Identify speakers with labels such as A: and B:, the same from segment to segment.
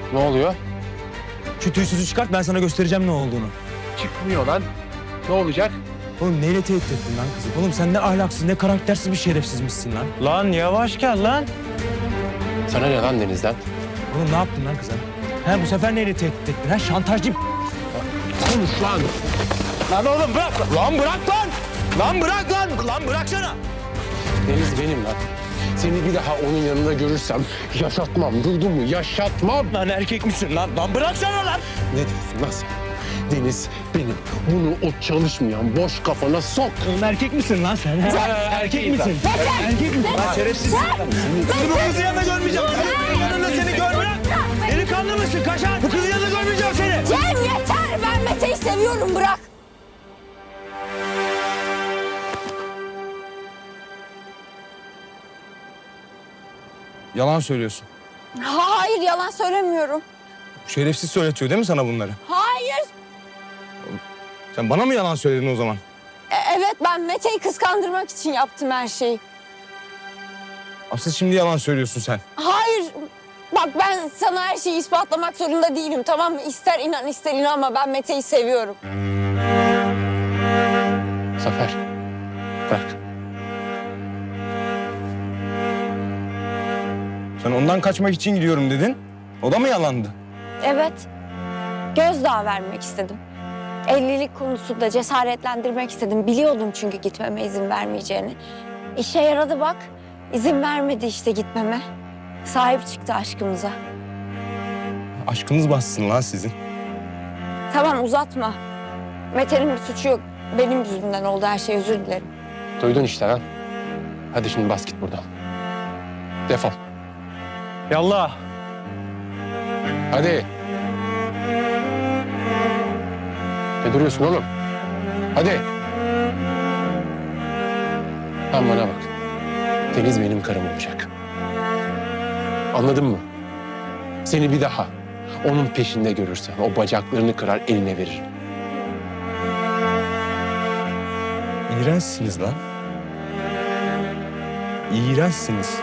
A: Ne oluyor?
B: Şu tüysüzü çıkart, ben sana göstereceğim ne olduğunu.
A: Çıkmıyor lan. Ne olacak?
B: Oğlum neyle tehdit ettin lan kızı? Oğlum sen ne ahlaksız, ne karaktersiz bir şerefsizmişsin lan.
C: Lan yavaş gel lan.
A: Sana ne lan Deniz'den?
B: Oğlum ne yaptın lan kıza? He bu sefer neyle tehdit ettin? Ha şantajcı.
A: Konuş lan.
B: Lan oğlum bırak. Lan bırak lan. Lan bırak lan. Lan bıraksana.
A: Deniz benim lan. Seni bir daha onun yanında görürsem yaşatmam. Duydun mu? Yaşatmam.
B: Lan erkek misin lan? Lan bıraksana lan.
A: Ne diyorsun lan sen? Deniz benim. Bunu o çalışmayan boş kafana sok.
B: Oğlum erkek misin lan sen? Erkek misin? Erkek misin? Lan şerefsiz. Seni bu kızın yanında görmeyeceğim. Senin yanında seni görmeyeceğim. Delikanlı mısın? Kaşar. Bu kızın yanında görmeyeceğim seni.
D: Cem yeter! Ben Mete'yi seviyorum, bırak!
B: Yalan söylüyorsun.
D: Hayır, yalan söylemiyorum.
B: Şerefsiz söyletiyor değil mi sana bunları?
D: Hayır!
B: Sen bana mı yalan söyledin o zaman?
D: Evet, ben Mete'yi kıskandırmak için yaptım her şeyi.
B: Asıl şimdi yalan söylüyorsun sen.
D: Hayır! Bak ben sana her şeyi ispatlamak zorunda değilim, tamam mı? İster inan ister inanma, ben Mete'yi seviyorum.
A: Zafer. Bırak.
B: Sen ondan kaçmak için gidiyorum dedin. O da mı yalandı?
D: Evet, gözdağı vermek istedim. Evlilik konusunda cesaretlendirmek istedim. Biliyordum çünkü gitmeme izin vermeyeceğini. İşe yaradı bak. İzin vermedi işte gitmeme. Sahip çıktı aşkımıza.
B: Aşkınız bassın lan sizin.
D: Tamam uzatma. Mete'nin bir suçu yok. Benim yüzümden oldu her şey, özür dilerim.
A: Duydun işte lan. Hadi şimdi bas git buradan. Defol.
C: Yallah.
A: Hadi. Ne duruyorsun oğlum? Hadi. Sen bana bak. Deniz benim karım olacak. Anladın mı? Seni bir daha onun peşinde görürsem o bacaklarını kırar eline veririm.
B: İğrençsiniz lan. İğrençsiniz.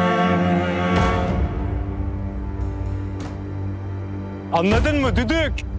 C: Anladın mı düdük?